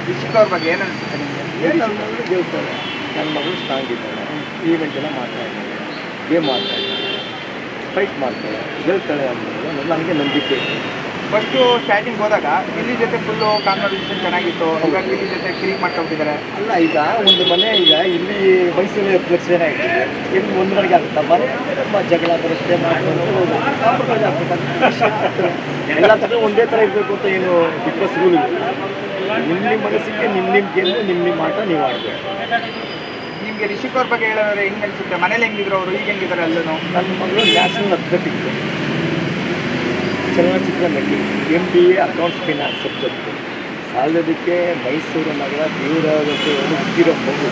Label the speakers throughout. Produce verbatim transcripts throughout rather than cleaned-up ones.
Speaker 1: ರಿಷಿಕ್ ಅವ್ರ ಬಗ್ಗೆ ಏನು ಅನಿಸುತ್ತೆ ನಿಮಗೆ?
Speaker 2: ಏನು ನನ್ನ ಮಗಳು ಗೆಲ್ತಾಳೆ, ನನ್ನ ಮಗಳು ಸ್ಟ್ರಾಂಗ್ ಇದ್ದಾಳೆ, ಈವೆಂಟ್ ಎಲ್ಲ ಮಾಡ್ತಾ ಇದ್ದಾಳೆ, ಗೇಮ್ ಮಾಡ್ತಾ ಇದ್ದಾಳೆ, ಫೈಟ್ ಮಾಡ್ತಾಳೆ, ಗೆಲ್ತಾಳೆ ಅನ್ನೋದು ನನಗೆ ನಂಬಿಕೆ ಇದೆ.
Speaker 1: ಫಸ್ಟು ಸ್ಟಾರ್ಟಿಂಗ್ ಹೋದಾಗ ಗಿಲ್ಲಿ ಜೊತೆ ಫುಲ್ಲು ಕಾನ್ವರ್ಸೇಷನ್ ಚೆನ್ನಾಗಿತ್ತು, ಇವಾಗ ಗಿಲ್ಲಿ ಜೊತೆ ಕಿರಿಕ್ ಮಾಡ್ಕೊಂಡ್ಬಿಟ್ಟಿದ್ದಾರೆ.
Speaker 2: ಅಲ್ಲ, ಈಗ ಒಂದು ಮನೆ ಈಗ ಇಲ್ಲಿ ಮೈಸೂರಲ್ಲಿ ಹತ್ತು ಜನ ಇರ್ತದೆ, ಇಲ್ಲಿ ಒಂದು ಮನೆಗೆ ಆಗುತ್ತಾ ಮನೆ ನಮ್ಮ ಜಗಳ ಬರುತ್ತೆ, ಮಾಡ್ಕೊಂಡು ಎಲ್ಲ ಥರ ಒಂದೇ ಥರ ಇರಬೇಕು ಅಂತ ಏನು ಬಿಗ್ ಬಾಸ್ ರೂಲ್ ಇದೆ. ನಿಮ್ಮ ನಿಮ್ಮ ಮನಸ್ಸಿಗೆ ನಿಮ್ಮ ನಿಮ್ಮ ಗೆಲ್ಲು ನಿಮ್ಮ ನಿಮ್ಮ ಆಟ ನೀವು ಆಡಬೇಕು.
Speaker 1: ನಿಮಗೆ ರಿಷಿಕ್ ಅವ್ರ ಬಗ್ಗೆ ಹೇಳೋದ್ರೆ ಹೆಂಗೆ ಅನಿಸುತ್ತೆ? ಮನೇಲಿ ಹೆಂಗಿದ್ರು ಅವರು, ಈಗ ಹೆಂಗಿದ್ದಾರೆ ಅಲ್ಲೂ?
Speaker 2: ನನ್ನ ಮಗಳು ನ್ಯಾಷನಲ್ ಅಥ್ಲೆಟಿಕ್, ಚಲನಚಿತ್ರ ನಟಿ, M B A accounts finance subject, ಸಾಲದಕ್ಕೆ ಮೈಸೂರು ನಗರ ದೇವರಾಗಕ್ಕೆ ಹುಟ್ಟಿರೋ ಮಗು,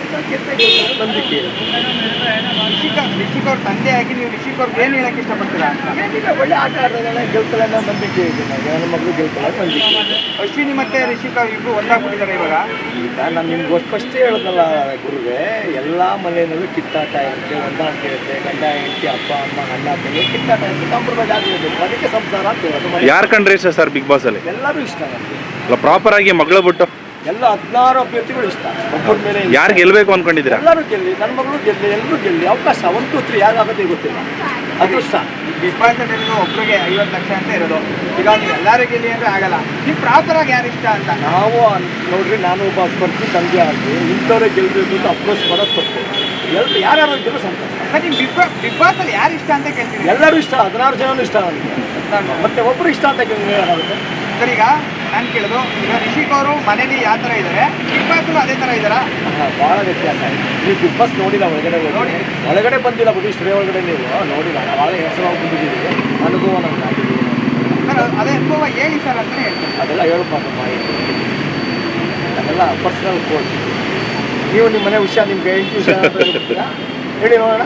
Speaker 2: ನಂಬಿಕೆ ಇದೆ.
Speaker 1: ರಿಷಿಕ್ ರಿಷಿಕ್ ಅವ್ರ ತಂದೆ ಆಗಿ ನೀವು ರಿಷಿಕ್ ಅವ್ರಿಗೆ ಏನು ಹೇಳಕ್ಕೆ ಇಷ್ಟಪಡ್ತೀರಾ?
Speaker 2: ಏನಿಲ್ಲ, ಒಳ್ಳೆ ಆಟ ಆಡ್ತಾಳೆ, ಗೆಲ್ತಾಳೆ ಅನ್ನೋ ನಂಬಿಕೆ ಇದೆ ನನಗೆ. ನನ್ನ ಮಗಳು ಗೆಲ್ತಾಳೆ ನಂಬಿಕೆ ಇದೆ.
Speaker 1: ಅಶ್ವಿನಿ ಮತ್ತು ರಿಷಿಕ್ ಅವ್ರು ಇಬ್ಬರು ಒಂದಾಗ್ಬಿಟ್ಟಿದ್ದಾರೆ ಇವಾಗ.
Speaker 2: ಈಗ ನಾನು ನಿಮ್ಗೆ ಫಸ್ಟೇ ಹೇಳೋದಲ್ಲ ಗುರುವೆ, ಎಲ್ಲ ಮನೆಯಲ್ಲೂ ಕಿತ್ತಾಟ ಇರುತ್ತೆ, ಹೊಂದಾಣಿಕೆ ಇರುತ್ತೆ, ಗಂಡ ಹೆಂಡತಿ, ಅಪ್ಪ ಅಮ್ಮ, ಅಣ್ಣ ತಂಗಿ ಕಿತ್ತಾಟ ಇರುತ್ತೆ, ಕಾಂಪ್ರಮೈಸ್ ಆಗಿರಬೇಕು, ಅದಕ್ಕೆ ಸಂಸಾರ ಅಂತ ಹೇಳೋದು.
Speaker 3: ಯಾರು ಕಂಡ್ರೆ ಇಷ್ಟ ಸರ್ ಬಿಗ್ ಬಾಸ್ ಅಲ್ಲಿ?
Speaker 2: ಎಲ್ಲರೂ ಇಷ್ಟ ನನಗೆ.
Speaker 3: ಅಲ್ಲ, ಪ್ರಾಪರ್ ಆಗಿ ಮಗಳು ಬಿಟ್ಟು
Speaker 2: ಎಲ್ಲ ಹದಿನಾರು ಅಭ್ಯರ್ಥಿಗಳು ಇಷ್ಟ. ಒಬ್ಬರ ಮೇಲೆ
Speaker 3: ಯಾರು ಗೆಲ್ಬೇಕು ಅನ್ಕೊಂಡಿದ್ದೀರಾ?
Speaker 2: ಎಲ್ಲರೂ ಗೆಲ್ಲಿ, ನನ್ನ ಮಗಳು ಗೆಲ್ಲಿ, ಎಲ್ಲರೂ ಗೆಲ್ಲಿ. ಅವಕಾಶ ಒಂದು ಟು ತ್ರೀ ಯಾರಾಗುತ್ತೆ ಗೊತ್ತಿಲ್ಲ, ಅದೃಷ್ಟ.
Speaker 1: ಬಿಗ್ ಬಾಸ್ ಅಲ್ಲಿ ಒಬ್ಬರಿಗೆ ಐವತ್ತು ಲಕ್ಷ ಅಂತ ಇರೋದು, ಈಗ ನೀವು ಎಲ್ಲರೂ ಗೆಲ್ಲಿ ಅಂದರೆ ಆಗಲ್ಲ. ನೀವು ಪ್ರಾಪರ್ ಆಗಿ ಯಾರು ಇಷ್ಟ ಅಂತ?
Speaker 2: ನಾವು ನೋಡ್ರಿ, ನಾನು ಒಬ್ಬ ಸ್ಪರ್ಧಿ ತಂದೆ ಆಗಿ ಇಂಥವ್ರೇ ಗೆಲ್ಲಬೇಕು ಅಂತ ಅಪ್ರೋಚ್ ಮಾಡೋದು ತಪ್ಪು. ಎಲ್ಲಿ ಯಾರ್ಯಾರು ಗೆಲ್ಲೋ ಸಂತೋಷ.
Speaker 1: ಮತ್ತೆ ನೀವು ಬಿಗ್ ಬಾಸ್ ಬಿಗ್ ಬಾಸ್ ಅಲ್ಲಿ ಯಾರು ಇಷ್ಟ ಅಂತ ಕೇಳ್ತೀರಿ?
Speaker 2: ಎಲ್ಲರೂ ಇಷ್ಟ, ಹದಿನಾರು ಜನನೂ ಇಷ್ಟ ನನಗೆ. ಮತ್ತೆ ಒಬ್ಬರು ಇಷ್ಟ ಅಂತ ಏನಾಗುತ್ತೆ
Speaker 1: ಸರ್? ಈಗ ನಾನು ಕೇಳೋದು, ಈಗ ರಿಷಿಕ್ ಅವರು ಮನೇಲಿ ಯಾವ ಥರ ಇದ್ದಾರೆ, ಬಿಗ್ ಬಾಸ್ ಅದೇ ಥರ ಇದ್ದಾರಾ?
Speaker 2: ಭಾಳ ವ್ಯತ್ಯಾಸ ಇದೆ. ನೀವು ಬಿಗ್ ಬಾಸ್ ನೋಡಿಲ್ಲ, ಒಳಗಡೆ
Speaker 1: ನೋಡಿ,
Speaker 2: ಒಳಗಡೆ ಬಂದಿಲ್ಲ ಬಿಡಿ, ಸ್ಟುಡಿಯೋ ಒಳಗಡೆ ನೀವು ನೋಡಿಲ್ಲ. ಭಾಳ ಹೆಸರು ಬಂದಿದ್ದೀವಿ, ಅನುಭವ ನಮ್ಗೆ ಆಗಿದೆ.
Speaker 1: ಸರ್ ಅದೇ ಅನುಭವ ಹೇಳಿ ಸರ್ ಅಂತಲೇ ಹೇಳ್ತೀನಿ.
Speaker 2: ಅದೆಲ್ಲ ಹೇಳ್ಬಾರ್ದು ಮಾಹಿತಿ, ಅದೆಲ್ಲ ಪರ್ಸನಲ್ ಕೋಡ್. ನೀವು ನಿಮ್ಮ ಮನೆ ವಿಷಯ, ನಿಮ್ಗೆ ಹೆಂಡತಿ ವಿಷಯ ಹೇಳಿ ನೋಡೋಣ.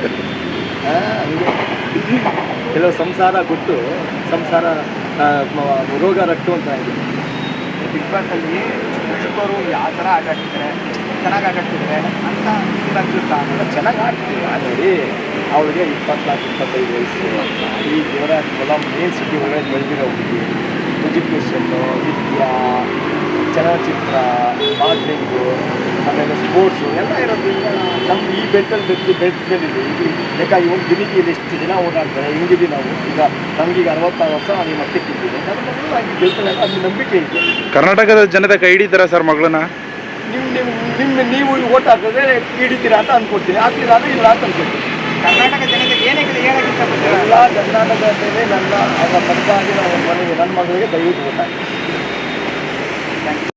Speaker 2: ಹಂಗೆ ಕೆಲವು ಸಂಸಾರ ಕೊಟ್ಟು ಸಂಸಾರ ರೋಗ ರಟ್ಟು ಅಂತ ಇದೆ.
Speaker 1: ಬಿಗ್ ಬಾಸಲ್ಲಿ ರಿಷಿಕ್ ಅವರು ಯಾವ ಥರ ಆಟ ಆಡ್ತಿದ್ದಾರೆ, ಚೆನ್ನಾಗಿ ಆಟ ಆಡ್ತಿದ್ದಾರೆ ಅಂತ ಅನ್ಸುತ್ತಾ?
Speaker 2: ಚೆನ್ನಾಗಿ ಆಡ್ತೀವಿ ನೋಡಿ. ಅವಳಿಗೆ ಇಪ್ಪತ್ನಾಲ್ಕು ಇಪ್ಪತ್ತೈದು ವಯಸ್ಸು, ಈ ದೇವರಾಜ ಹೊಲ ಮೇನ್ ಸಿಟಿ ಒಳಗೆ ಬೆಳೆದಿರೋ ಹುಡುಗಿ, ಎಜುಕೇಷನ್ನು, ವಿದ್ಯಾ, ಚಲನಚಿತ್ರ, ಮಾಡ್ಲಿಂಗು, ಆಮೇಲೆ ಸ್ಪೋರ್ಟ್ಸು ಎಲ್ಲ ಇರೋದ್ರಿಂದ ನಮ್ಗೆ ಈ ಬೆಟ್ಟಲ್ಲಿ ಬೆದ್ದು ಬೆಟ್ಟ ಮೇಲಿದೆ. ಈಗ ಬೇಕಾಗಿ ಒಂದು ದಿನಕ್ಕೆ ಇಲ್ಲಿ ಎಷ್ಟು ಜನ ಓಡಾಡ್ತಾರೆ, ಹಿಂಗಿದ್ದೀವಿ ನಾವು. ಈಗ ನಮಗೀಗ ಅರವತ್ತಾರು ವರ್ಷ ನಾನು ಈ ಮಟ್ಟಕ್ಕೆ ಇದ್ದೀನಿ, ನನ್ನ ಮಗಳು ಹಾಗೆ ಗೆಲ್ತಾಳೆ ಅದು ನಂಬಿಕೆ ಇದೆ.
Speaker 3: ಕರ್ನಾಟಕದ ಜನತೆ ಕೈ ಹಿಡಿತಾರ ಸರ್ ಮಗಳನ್ನ?
Speaker 2: ನಿಮ್ಮ ನಿಮ್ಮ ನಿಮ್ಮ ನೀವು ಓಟ್ ಹಾಕಿದ್ರೆ ಹಿಡಿತೀರಾ ಅಂತ ಅಂದ್ಕೊಡ್ತೀನಿ, ಆಗ್ಲಿಲ್ಲ ಅಂದರೆ ಇಲ್ಲ ಅಂತ ಅಂದ್ಕೊಡ್ತೀನಿ.
Speaker 1: ಕರ್ನಾಟಕ ಜನತೆ ಏನೇ ಹೇಳಕ್ಕೆ ಇಷ್ಟಪಡ್ತೀರಾ?
Speaker 2: ಎಲ್ಲ ಕರ್ನಾಟಕದಲ್ಲಿ ನನ್ನ ಅವರ ಪರವಾಗಿ ನಾವು ಮನೆಗೆ ನನ್ನ ಮಗಳಿಗೆ ದಯವಿಟ್ಟು ಓಟ್ ಹಾಕಿ.